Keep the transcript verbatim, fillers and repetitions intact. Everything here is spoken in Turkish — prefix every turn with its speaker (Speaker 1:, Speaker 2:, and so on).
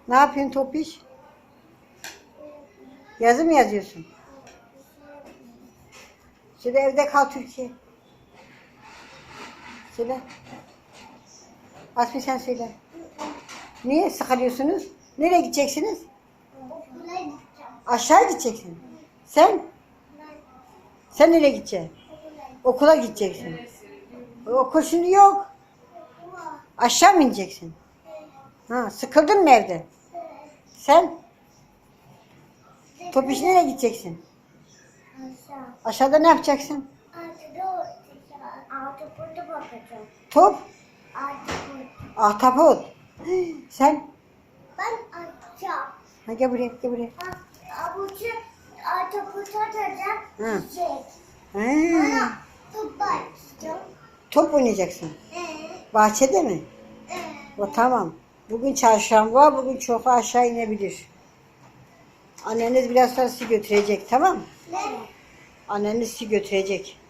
Speaker 1: Ne yapıyorsun Topiş? Yazı mı yazıyorsun? Şöyle evde kal Türkiye. Söyle. Asmi sen söyle. Niye sıkılıyorsunuz? Nereye gideceksiniz?
Speaker 2: Okula gideceğim.
Speaker 1: Aşağı gideceksin. Sen? Sen nereye gideceksin?
Speaker 2: Okula
Speaker 1: Okula gideceksin. Okul şimdi yok. Aşağı mı ineceksin? Ha, sıkıldın mı evde? Sen? Topiş nereye gideceksin?
Speaker 2: Aşağı.
Speaker 1: Aşağıda ne yapacaksın?
Speaker 2: Altıda altı burada bakacağım.
Speaker 1: Top,
Speaker 2: Altı burada.
Speaker 1: ahtapot. Sen?
Speaker 2: Ben açacağım.
Speaker 1: Ha, gel buraya, gel buraya.
Speaker 2: Avucu altı kurtaracağım.
Speaker 1: Hı.
Speaker 2: Çiçek.
Speaker 1: Ha,
Speaker 2: Bana top bakacağım.
Speaker 1: top oynayacaksın.
Speaker 2: Ee,
Speaker 1: Bahçede mi?
Speaker 2: ee.
Speaker 1: O tamam. Bugün çarşamba, bugün çok aşağı inebilir. Anneniz biraz sonra sizi götürecek, tamam mı?
Speaker 2: Ne?
Speaker 1: Anneniz sizi götürecek.